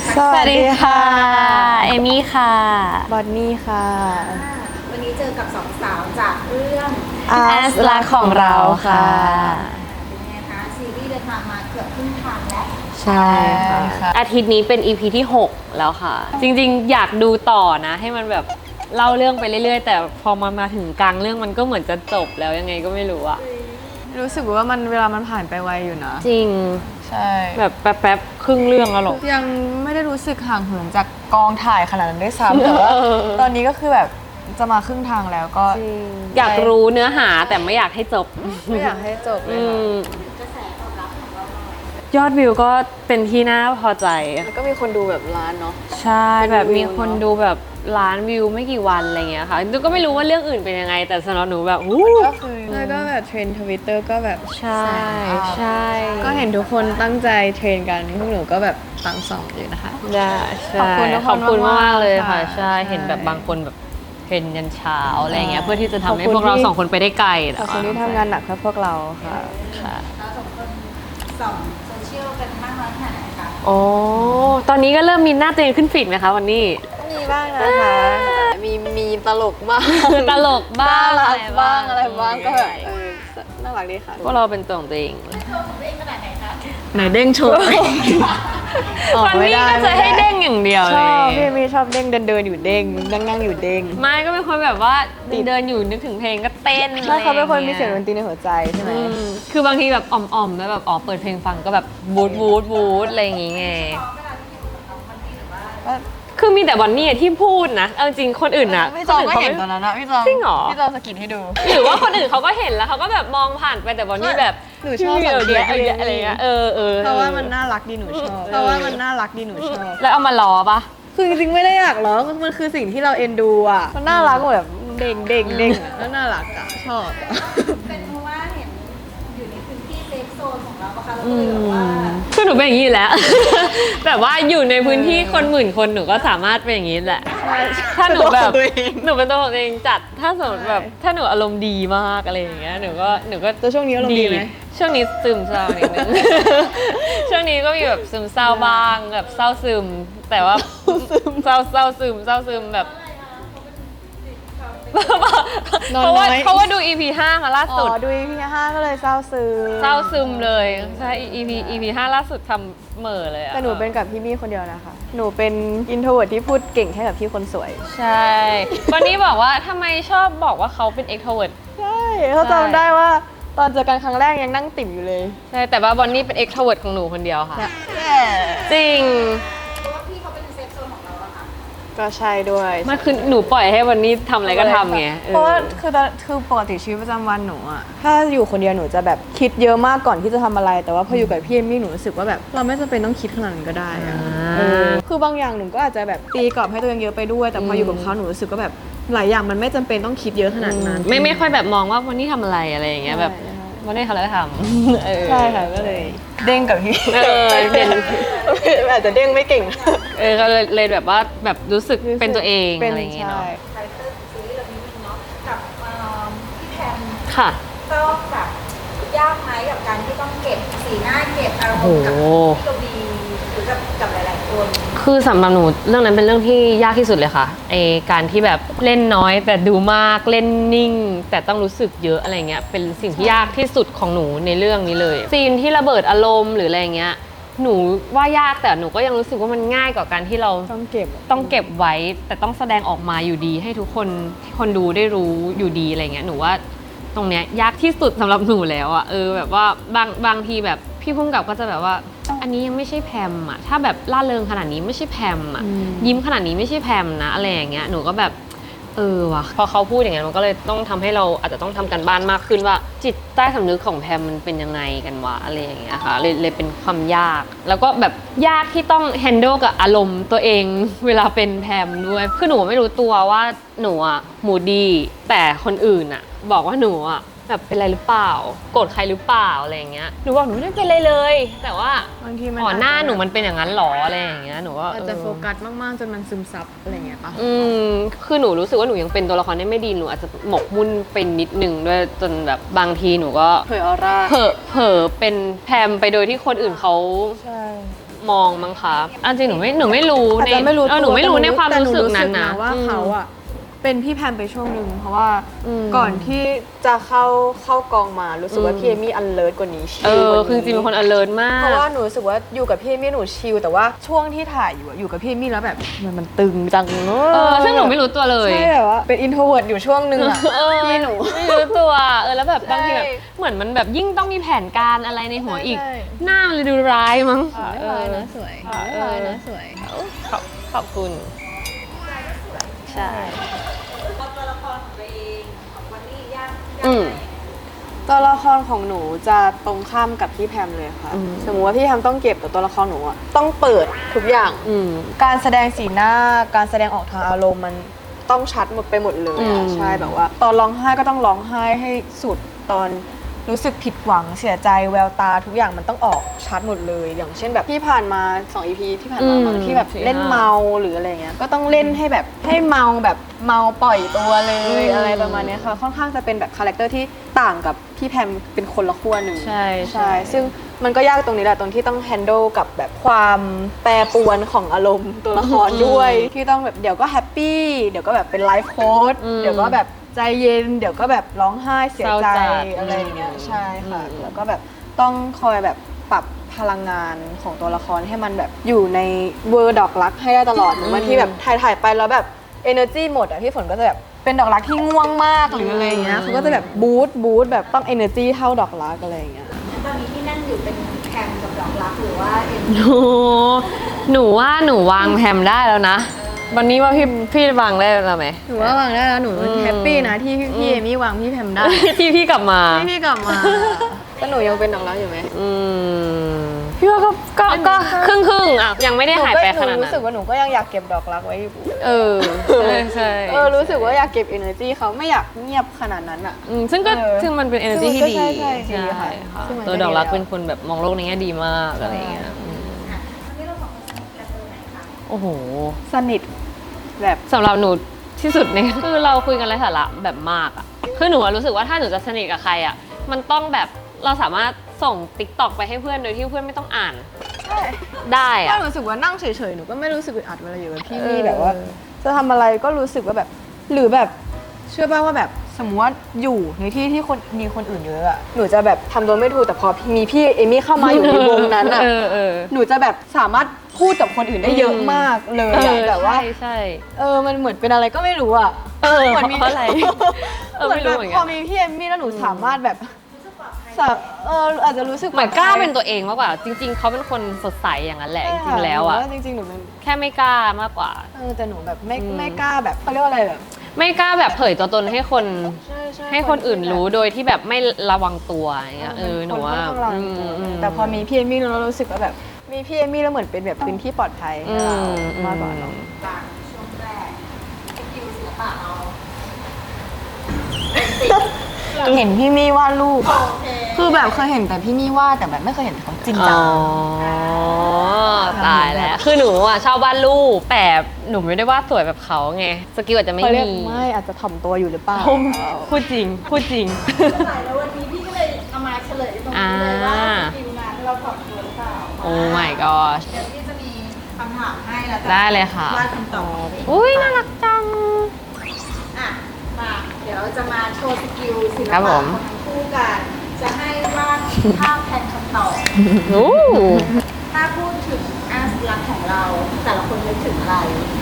สวัสดีค่ะเอมี่ค่ะบอนนี่ค่ะวันนี้เจอกับสองสาวจากเรื่อง As รักของเราค่ะเป็นไงคะซีรีส์เดินทางมาเกือบครึ่งทางแล้วใช่ค่ะอาทิตย์นี้เป็น EP ที่ 6 แล้วค่ะ จริงๆ อยากดูต่อนะ ให้มันแบบเล่าเรื่องไปเรื่อยๆ แต่พอมาถึงกลางเรื่องมันก็เหมือนจะจบแล้วยังไงก็ไม่รู้อะรู้สึกว่าเวลามันผ่านไปไวอยู่นะจริงใช่แบบแป๊บๆครึ่งเรื่องแล้วหรอยังไม่ได้รู้สึกห่างเหินจากกองถ่ายขนาดนั้นด้วยซ้ำแต่ว่าตอนนี้ก็คือแบบจะมาครึ่งทางแล้วก็อยากรู้เนื้อหาแต่ไม่อยากให้จบไม่อยากให้จบเลยยอดวิวก็เป็นที่น่าพอใจแล้วก็มีคนดูแบบล้านเนาะใช่แบบมีคนดูแบบล้านวิวไม่กี่วันอะไรเงี้ยค่ะก็ไม่รู้ว่าเรื่องอื่นเป็นยังไงแต่สำหรับหนูแบบก็คือแล้วก็แบบเทรนด์ทวิตเตอร์ก็แบบใช่ใช่ก็เห็นทุกคนตั้งใจเทรนกันพวกหนูก็แบบตั้งสองอยู่นะคะได้ขอบคุณมากเลยค่ะใช่เห็นแบบบางคนแบบเทรนยันเช้าอะไรเงี้ยเพื่อที่จะทำให้พวกเราสองคนไปได้ไกลขอบคุณที่ทำงานหนักเพื่อพวกเราค่ะเราสองคนส่องโซเชียลกันมากน้อยขนาดไหนคะโอ้ตอนนี้ก็เริ่มมีหน้าตัวเองขึ้นฟีดไหมคะวันนี้มีบ้างนะคะมีตลกบ้างตลกบ้างอะไรบ้างก็แบบน่ารักดีค่ะพวกเราเป็นตัวของตัวเองไหนเด้งโชว์วันนี้ก็จะให้เด้งอย่างเดียวเลยชอบพี่มีชอบเด้งเดินอยู่เด้งนั่งอยู่เด้งไม่ก็เป็นคนแบบว่าเดินอยู่นึกถึงเพลงก็เต้นใช่เขาเป็นคนมีเสียงดนตรีในหัวใจใช่ไหมคือบางทีแบบอ่อมๆแล้วแบบเปิดเพลงฟังก็แบบบูดอะไรอย่างงี้ไงคือมีแต่บอนนี่ที่พูดนะเอาจริงคนอื่นนะพี่จอมก็เห็นตอนนั้นนะพี่จอมจริงเหรอพี่จอมสกิดให้ดูหรือว่าคนอื่นเขาก็เห็นแล้วเขาก็แบบมองผ่านไปแต่บอนนี่แบบหนูชอบสังเกตอะไรเงี้ยเพราะว่ามันน่ารักดีหนูชอบเพราะว่ามันน่ารักดีหนูชอบแล้วเอามาล้อปะคือจริงๆไม่ได้อยากล้อมันคือสิ่งที่เราเอ็นดูอ่ะมันน่ารักแบบเด้งแล้วน่ารักอ่ะชอบเป็นเพราะว่าเห็นอยู่ในพื้นที่เซฟโซนของเราปะคะเราก็เลยแบบว่าคือหนูเป็นอย่างนี้อยู่แล้ว แบบว่าอยู่ในพื้นที่คนหมื่นคนหนูก็สามารถเป็นอย่างนี้แหละถ้าหนูแบบหนูเป็นตัวของตัวเองจัดถ้าสมมติแบบถ้าหนูอารมณ์ดีมากอะไรอย่างเงี้ยหนูก็ตัวช่วงนี้อารมณ์ดีไหมช่วงนี้ซึมเศร้านิดนึง ช่วงนี้ก็มีแบบซึมเศร้าบ้างแบบเศร้าซึมแต่ว่าเศร้าซึมแบบเพราะว่าดู EP 5ค่ะล่าสุดดู EP 5ก็เลยเศร้าซึมเลยใช่ EP 5ล่าสุดทำเหม่อเลยอะแต่หนูเป็นกับพี่มี่คนเดียวนะคะหนูเป็นอินโทรเวิร์ตที่พูดเก่งแค่กับพี่คนสวยใช่วันนี้บอกว่าทำไมชอบบอกว่าเขาเป็น extrovert ใช่เขาจำได้ว่าตอนเจอกันครั้งแรกยังนั่งติ่มอยู่เลยใช่แต่ว่าบอนนี่เป็น extrovert ของหนูคนเดียวค่ะจริงก็ใช่ด้วยมันคือหนูปล่อยให้วันนี้ทำอะไรก็ทำไงเพราะว่าคือปกติชีวิตประจำวันหนูอะถ้าอยู่คนเดียวหนูจะแบบคิดเยอะมากก่อนที่จะทำอะไรแต่ว่าพออยู่กับพี่เอมมี่หนูรู้สึกว่าแบบเราไม่จำเป็นต้องคิดขนาดนั้นก็ได้อะคือบางอย่างหนูก็อาจจะแบบตีกรอบให้ตัวเองเยอะไปด้วยแต่พออยู่กับเขาหนูรู้สึกว่าแบบหลายอย่างมันไม่จำเป็นต้องคิดเยอะขนาดนั้นไม่ค่อยแบบมองว่าวันนี้ทำอะไรอะไรอย่างเงี้ยแบบวันนี้ทำอะไรก็ทำใช่ค่ะก็เลยเด้งกับพี่เด่นอาจจะเด้งไม่เก่งก็เลยแบบว่าแบบรู้สึกเป็นตัวเองอะไรอย่างเงี้ยเนาะคาแรคเตอร์ซีรีส์เรื่องนี้เนาะกับพี่แพมค่ะต้องแบบยากไหมกับการที่ต้องเก็บสีหน้าเก็บอารมณ์กับพี่กวีหรือกับหลายๆคนคือสำหรับหนูเรื่องนั้นเป็นเรื่องที่ยากที่สุดเลยค่ะการที่แบบเล่นน้อยแต่ดูมากเล่นนิ่งแต่ต้องรู้สึกเยอะอะไรเงี้ยเป็นสิ่งที่ยากที่สุดของหนูในเรื่องนี้เลยซีนที่ระเบิดอารมณ์หรืออะไรเงี้ยหนูว่ายากแต่หนูก็ยังรู้สึกว่ามันง่ายกว่าการที่เราต้องเก็บไว้แต่ต้องแสดงออกมาอยู่ดีให้ทุกคนที่คนดูได้รู้อยู่ดีอะไรเงี้ยหนูว่าตรงเนี้ยยากที่สุดสำหรับหนูแล้วอะแบบว่าบางทีแบบพี่พุ่งกับก็จะแบบว่าอันนี้ยังไม่ใช่แพมอะถ้าแบบล่าเริงขนาดนี้ไม่ใช่แพมอะยิ้มขนาดนี้ไม่ใช่แพมนะอะไรอย่างเงี้ยหนูก็แบบว่ะพอเขาพูดอย่างนั้นมันก็เลยต้องทำให้เราอาจจะต้องทำกันบ้านมากขึ้นว่าจิตใต้สำนึกของแพมมันเป็นยังไงกันวะอะไรอย่างเงี้ยค่ะเลยเป็นความยากแล้วก็แบบยากที่ต้องแฮนด์ลกับอารมณ์ตัวเองเวลาเป็นแพมด้วยคือหนูไม่รู้ตัวว่าหนูอะมูดี้แต่คนอื่นอะบอกว่าหนูอะแบบเป็นอะไรหรือเปล่าโกรธใครหรือเปล่าอะไรอย่างเงี้ยหนูบอกหนูไม่ได้เป็นอะไรเลยแต่ว่าบางทีมันหน้าหนูมันเป็นอย่างนั้นหรออะไรอย่างเงี้ยหนูก็อาจจะโฟกัสมากๆจนมันซึมซับอะไรเงี้ยป่ะคือหนูรู้สึกว่าหนูยังเป็นตัวละครได้ไม่ดีหนูอาจจะหมกมุ่นเป็นนิดนึงด้วยจนแบบบางทีหนูก็เผยออร่าเผลอเป็นแพมไปโดยที่คนอื่นเขาใช่มองมั้งคะอันจริงหนูไม่รู้อาจจะไม่รู้หนูไม่รู้ในความรู้สึกนั้นนะว่าเขาอะเป็นพี่แพมไปช่วงหนึ่งเพราะว่าก่อนที่จะเข้ากองมารู้สึกว่าพี่เอมี่อันเลิศกว่านี้ชิลกว่านี้คือจริงเป็นคน alert มากเพราะว่าหนูรู้สึกว่าอยู่กับพี่เอมี่หนูชิลแต่ว่าช่วงที่ถ่ายอยู่กับพี่เอมี่แล้วแบบมันตึงจังซึ่งหนูไม่รู้ตัวเลยใช่แบบว่าเป็นอินโทรเวิร์ตอยู่ช่วงหนึ่งอะพี่หนูไม่รู้ตัวแล้วแบบบางทีแบบใช่เหมือนมันแบบยิ่งต้องมีแผนการอะไรในหัวอีกใช่หน้ามันเลยดูร้ายมั้งไม่ร้ายนะสวยไม่ร้ายนะสวยขอบคุณใช่ตัวละครของตัวเองของวันนี้ยากอืมตัวละครของหนูจะตรงข้ามกับพี่แพมเลยค่ะ สมมติว่าพี่แพมต้องเก็บแต่ตัวละครหนูอะต้องเปิดทุกอย่าง การแสดงสีหน้าการแสดงออกทางอารมณ์มันต้องชัดหมดไปหมดเลยอะใช่แบบว่า ตอนร้องไห้ก็ต้องร้องไห้ให้สุดตอนรู้สึกผิดหวังเสียใจแววตาทุกอย่างมันต้องออกชัดหมดเลย อย่างเช่นแบบที่ผ่านมา2 EP ที่ผ่านมาบางที่แบบเล่นเมาหรืออะไรเงี้ยก็ต้องเล่นให้แบบให้เมาแบบเมาปล่อยตัวเลยอะไรประมาณเนี้ยค่ะค่อนข้างจะเป็นแบบคาแรคเตอร์ที่ต่างกับพี่แพมเป็นคนละขั้วหนึ่งใช่ใช่ซึ่งมันก็ยากตรงนี้แหละตรงที่ต้อง handle กับแบบความแปรปรวนของอารมณ์ตัวละครด้วยที่ต้องแบบเดี๋ยวก็แฮปปี้เดี๋ยวก็แบบเป็นไลฟ์โค้ดเดี๋ยวก็แบบใจเย็นเดี๋ยวก็แบบร้องไห้เสียใจอะไรอย่างเงี้ยใช่ค่ะแล้วก็แบบต้องคอยแบบปรับพลังงานของตัวละครให้มันแบบอยู่ในเวอร์ดอกรักให้ได้ตลอดบางทีแบบถ่ายไปแล้วแบบ energy หมดอ่ะพี่ฝนก็จะแบบเป็นดอกรักที่ง่วงมากหรืออะไรอย่างเงี้ยเขาก็จะแบบบูสต์แบบต้อง energy เท่าดอกรักอะไรอย่างเงี้ยตอนนี้ที่นั่นอยู่เป็นแคมกับดอกรักหรือว่าเอ็มหนูว่าหนูวางแฮมได้แล้วนะ วันนี้ว่าพี่วางได้แล้วไหมหนูว่าวางได้แล้วหนูแฮปปี้นะที่พี่เอมี่วางพี่แพมได้ที่พี่กลับมาที่พี่กลับมาแต่หนูยังเป็นดอกรักอยู่ไหมพี่ว่าก็ครึ่งอ่ะยังไม่ได้หายไปขนาดหนูนั้รู้สึกนว่าหนูก็ยังอยากเก็บดอกรักไว้อยู่ใช่รู้สึกว่าอยากเก็บ energy เขาไม่อยากเงียบขนาดนั้นอ่ะซึ่งมันเป็น energy ที่ดีใช่ดีค่ะ ซึ่งมันก็ตัวดอกรักดีแล้วเป็นคนแบบมองโลกในแง่ดีมากอะไรอย่างเงี้ยวันนี้เราสองคนสนิทกันตรงไหนคะโอ้โหสนิทแบบสำหรับหนูที่สุดเนี่ย คือเราคุยกันไร้สาระแบบมากอ่ะคือหนูรู้สึกว่าถ้าหนูจะสนิทกับใครอ่ะมันต้องแบบเราสามารถส่งติ๊กต็อกไปให้เพื่อนโดยที่เพื่อนไม่ต้องอ่านได้ก็อ่ะรู้สึกว่านั่งเฉยๆหนูก็ไม่รู้สึกอึดอัดเวลาอยู่กับพี่มี่แบบว่า จะทำอะไรก็รู้สึกว่าแบบหรือแบบเชื่อป่ะว่าแบบสมมติว่าอยู่ในที่ที่มีคนอื่นเยอะอะหนูจะแบบทำตัวไม่ถูกแต่พอมีพี่เอมี่เข้ามาอยู่ในวงนั้นอะหนูจะแบบสามารถพูดกับคนอื่นได้เยอะมากเลยอะแบบว่าใช่มันเหมือนเป็นอะไรก็ไม่รู้อะเหมือนมีเพราะอะไรเหมือนไม่รู้แบบเหมือนพกัอน มีพี่เอมี่แล้วหนูสามารถแบบอาจจะรู้สึกเหมือนกล้าเป็นตัวเองมากกว่า จริง ๆเขาเป็นคนสดใสอย่างนั้นแหละจริงๆแล้วอ่ะจริงๆหนูเป็นแค่ไม่กล้ามากกว่าแต่หนูแบบไม่กล้าแบบเขาเรียกว่าอะไรแบบไม่กล้าแบบเผยตัวตนให้คนใช่ให้คนอื่นรู้โดยที่แบบไม่ระวังตัวอย่างเงี้ยหนูว่าแต่พอมีพี่เอมี่แล้วเรารู้สึกว่าแบบมีพี่เอมี่แล้วเหมือนเป็นแบบพื้นที่ปลอดภัยให้เรามากกว่าเนอะบางช่วงแรกสกิลศิลปะเราเห็นพี่มี่วาดรูปโอเคคือแบบเคยเห็นแต่พี่มี่วาดแต่แบบไม่เคยเห็นเขาจริงจัอ๋งอตายแล้วคือหนูอ่ะชอบวาดรูปแต่หนูไม่ได้วาดสวยแบบเขาไงสกิลอาจจะไม่เขาเรียกมีไม่อาจจะถ่อมตัวอยู่หรือเปล่าพูดจริงไม่เป็นไรแล้ววันนี้พี่ก็เลยเอามาเฉลยตรงนี้เลยว่าสกิลนั้นเราตอบตัวหรือเปล่าโอ้ my gosh เดี๋ยวพี่จะมีคำถามให้แล้วได้เลยค่ะวาดคำตอบของพี่อุ้ยน่ารักจังอ่ะมาเดี๋ยวจะมาโชว์สกิลศิลครัปะบขผองมทั้งคู่กัน จะให้วาดภาพแทนคำตอบโอ้ถ้าพูดถึงอาสลักของเรา แต่ละคนนึกถึงอะไร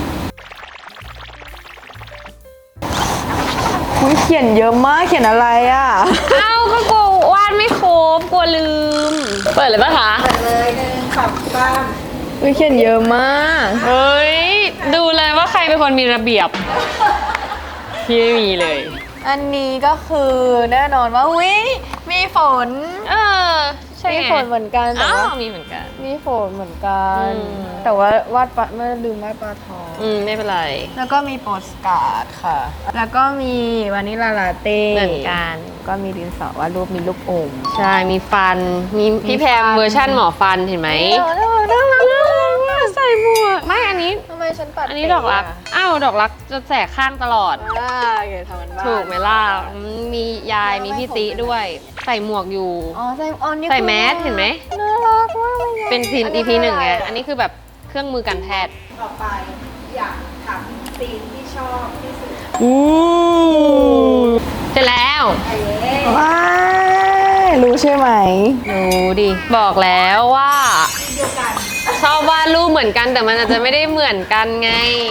คุยเขียนเยอะมากเขียนอะไรอ่ะเอ้าก็กลัววาดไม่ครบกลัวลืม เปิดเลยปะคะเปิดเลยหนึ่งสองสามคุยเขียนเยอะมากเฮ้ย ดูเลยว่าใครเป็นคนมีระเบียบ พี่ไม่มีเลยอันนี้ก็คือแน่นอนว่าวิมีฝนใช่มีไงฝนเหมือนกันแต่อ้าวว่ามีเหมือนกันมีฝนเหมือนกันอืมแต่ว่าวาดปลาไม่ลืมวาดปลาทองไม่เป็นไรแล้วก็มีโปสการ์ดค่ะ แล้วก็มีวานิลลาลาเต้เหมือนกันก็มีดินสอวาดรูปมีลูกอมใช่ มีฟัน มีพี่แพมฟันเวอร์ชั่นหมอฟันเห็นไหมน่ารักมากใส่หมวกไม่อันนี้ทำไมฉันปัดอันนี้ดอกรัก อ้าวดอกรักจะแสกข้างตลอดโอเคทำมันบ้างถูกไหมล่ะมียายมีพี่ติด้วย ใส่หมวกอยู่อ๋อใส่อ๋อนี่ใส่แมสเห็นไหมน่ารักมากเลยเป็นซีน EP หนึ่งไง อันนี้คือแบบเครื่องมือการแพทย์ต่อไปอยากถามซีนที่ชอบที่สุดอู้เสร็จแล้วไอ้เย้ว้ายรู้ใช่ไหมดูดิ บอกแล้วว่าเดียวกันชอบวาดรูปเหมือนกันแต่มันอาจจะไม่ได้เหมือนกันไง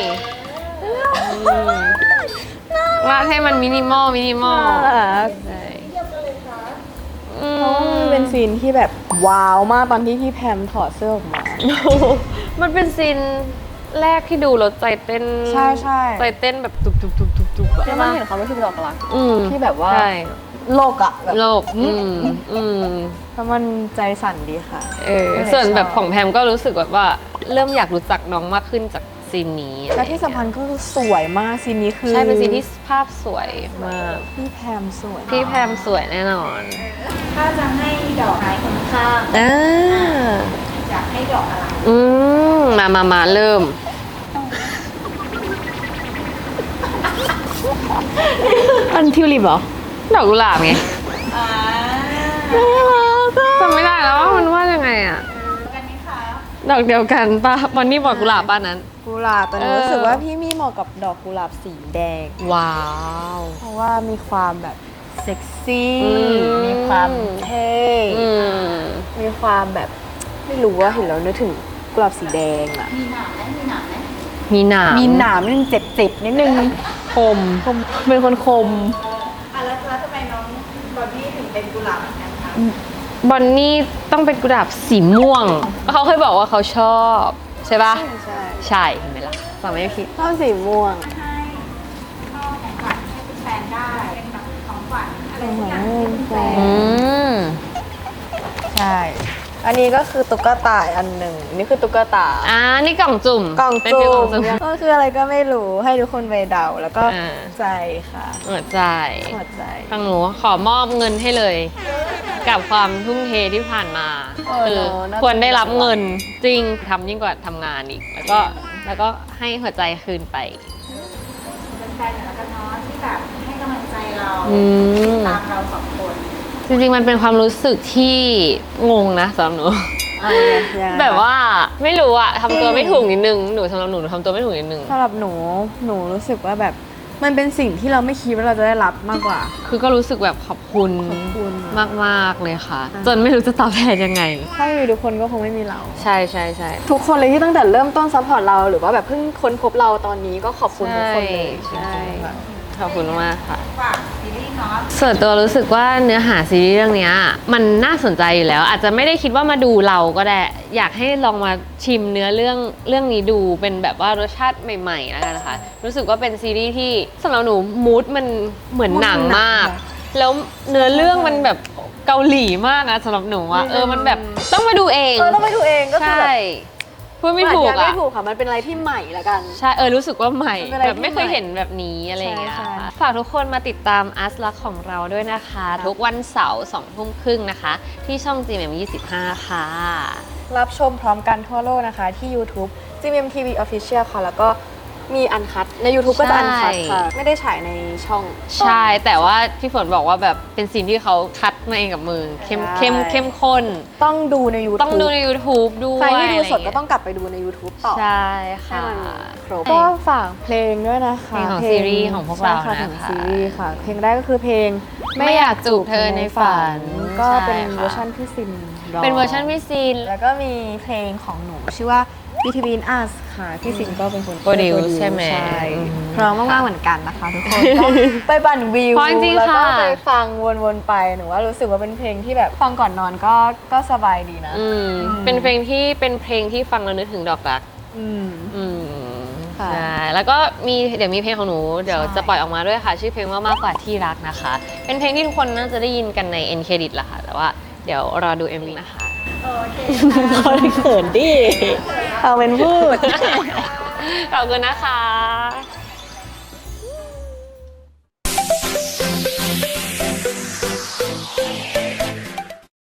วาดให้มันมินิมอลน่ารักใช่เพราะว่ามันเป็นซีนที่แบบว้าวมากตอนที่พี่แพมถอดเสื้อออกมามันเป็นซีนแรกที่ดูแล้วใจเต้นใช่ใช่ใจเต้นแบบตุบๆๆๆๆอะแล้วมันเห็นเขาไม่ใช่ดอกรักอืมที่แบบว่าใช่โลกอะแบบโลกอืมแล้วมันใจสั่นดีค่ะส่วนแบบของแพมก็รู้สึกแบบว่าเริ่มอยากรู้จักน้องมากขึ้นจากซีนนี้และที่สำคัญก็คือสวยมากซีนนี้คือใช่เป็นซีนที่ภาพสวยมากพี่แพมสวยพี่แพมสวยแน่นอนถ้าจะให้ดอกไม้คนข้าง อยากให้ดอกอะไรมาเริ่มอันทิวลิปเหรอดอกกุหลาบไงอ่าจำไม่ได้แล้วว่ามันว่ายังไงอะกันไหมคะดอกเดียวกันป่ะวันนี้บอกกุหลาบป่ะนั้นกุหลาบแต่หนูรู้สึกว่าพี่มี่เหมาะกับดอกกุหลาบสีแดงว้าวเพราะว่ามีความแบบเซ็กซี่อืมมีความเท่อืมมีความแบบไม่รู้ว่าเห็นแล้วนึกถึงกุหลาบสีแดงอะมีหนามไหมมีหนามไหมมีหนามมีหนามนิดนึงเจ็บๆนิดนึงคมเป็นคนคมแล้วทำไมน้องบอบบี้ถึงเป็นกุหลาบเหมือนกันคะบอนนี่ต้องเป็นกุหลาบสีม่วง เขาเคยบอกว่าเขาชอบ ใช่ป่ะใช่ใช่เห็นไหมล่ะฟังไม่ผิดชอบสีม่วงให้พ่อของขวัญให้เป็นแฟนได้ เป็นแบบของขวัญอะไรสักอย่างที่เป็นแฟนอืมใช่ อันนี้ก็คือตุ๊กตาอันหนึ่งอันนี่คือตุ๊กตานี่กล่องจุ่มกล่องเป็นจุ่ฟีลกล่องมจุ่มก็คืออะไรก็ไม่รู้ให้ทุกคนไปเดาแล้วก็อ่าใจค่ะหัวใจหัวใจทางหนูขอมอบเงินให้เลย กับความทุ่มเทที่ผ่านมาเออคือเนอะน่าจะควรได้รับเงินจริงทำยิ่งกว่าทำงานอีก แล้วก็ให้หัวใจคืนไปเป็นแฟนเหมือนกันเนาะที่แบบให้กำลังใจเราอืมตามเราสองคนจริงๆมันเป็นความรู้สึกที่งงนะสำหรับหนู แบบว่าไม่รู้อะทำตัวไม่ถูกนิดนึงหนูสำหรับหนูทำตัวไม่ถูกนิดนึงสำหรับหนูรู้สึกว่าแบบมันเป็นสิ่งที่เราไม่คิดว่าเราจะได้รับมากกว่าคือก็รู้สึกแบบขอบคุณขอบคุณมากๆเลยค่ะ จนไม่รู้จะตอบแทนยังไงถ้าไม่มีทุกคนก็คงไม่มีเราใช่ใช่ใช่ทุกคนเลยที่ตั้งแต่เริ่มต้นซัพพอร์ตเราหรือว่าแบบเพิ่งค้นพบเราตอนนี้ก็ขอบคุณทุกคนเลยใช่จริงๆค่ะขอบคุณมากค่ะฝากซีรีส์เนาะส่วนตัวรู้สึกว่าเนื้อหาซีรีส์เรื่องเนี้ยมันน่าสนใจอยู่แล้ว อาจจะไม่ได้คิดว่ามาดูเราก็ได้ อยากให้ลองมาชิมเนื้อเรื่องนี้ดูเป็นแบบว่ารสชาติใหม่ๆแล้วกันนะคะ รู้สึกว่าเป็นซีรีส์ที่สำหรับหนูมูดมันเหมือนหนังมาก แล้วเนื้อเรื่องมันแบบเกาหลีมากนะสำหรับหนูอะมันแบบต้องมาดูเองต้องไปดูเองก็คือใช่แบบพูดไม่ถูกอาจจะอะไม่ถูกค่ะมันเป็นอะไรที่ใหม่ละกันใช่รู้สึกว่าใหม่มันเป็นอะไรแบบไม่เคยที่ใหม่เห็นแบบนี้อะไรอย่างเงี้ยใช่ค่ะฝากทุกคนมาติดตามอัสลักของเราด้วยนะคะ ทุกวันเสาร์20:30นะคะ ที่ช่อง GMM25 ค่ะรับชมพร้อมกันทั่วโลกนะคะ ที่ YouTube GMMTV Official ค่ะ แล้วก็มีอันคัดใน YouTube ก็จะอันคัดค่ะ ไม่ได้ฉายในช่องใช่แต่ว่าพี่ฝนบอกว่าแบบเป็นซีนที่เขาคัดมาเองกับมือเข้มข้นต้องดูใน YouTube ต้องดูใน YouTube ด้วยใครที่ดูสดก็ะไรต้องกลับไปดูใน YouTube ต่อใช่ให้ค่ะมันครบก็ฝากเพลงด้วยนะคะเพลงของซีรีส์ของพวกเราใช่นะคะของซีรีส์ค่ะ เพลงแรกก็คือเพลงไม่อยากจูบเธอในฝันก็เป็นใช่ค่ะเวอร์ชันพี่ซินร้งเป็นเวอร์ชันพี่ซีนแล้วก็มีเพลงของหนูชื่อว่า Between Us ค่ะพี่ซินก็เป็นคน Produce ใช่ไหมใช่อืมพร้อมมากๆเหมือนกันนะคะทุกคนก็ไปปั่นวิวเพราะจริงๆแล้วก็ค่ะไปฟังวนๆไปหนูว่ารู้สึกว่าเป็นเพลงที่แบบฟังก่อนนอนก็สบายดีนะเป็นเพลงที่ฟังแล้วนึกถึงดอกรักอืมอืมค่ะใช่แล้วก็เดี๋ยวมีเพลงของหนูเดี๋ยวใช่จะปล่อยออกมาด้วยค่ะ ชื่อเพลงว่ามากกว่าที่รักนะคะ เป็นเพลงที่ทุกคนน่าจะได้ยินกันใน end credit แหละค่ะ แต่ว่าเดี๋ยวรอดู MV นะคะโอเคคนเขินดิเอาเป็นพูดขอบคุณนะคะ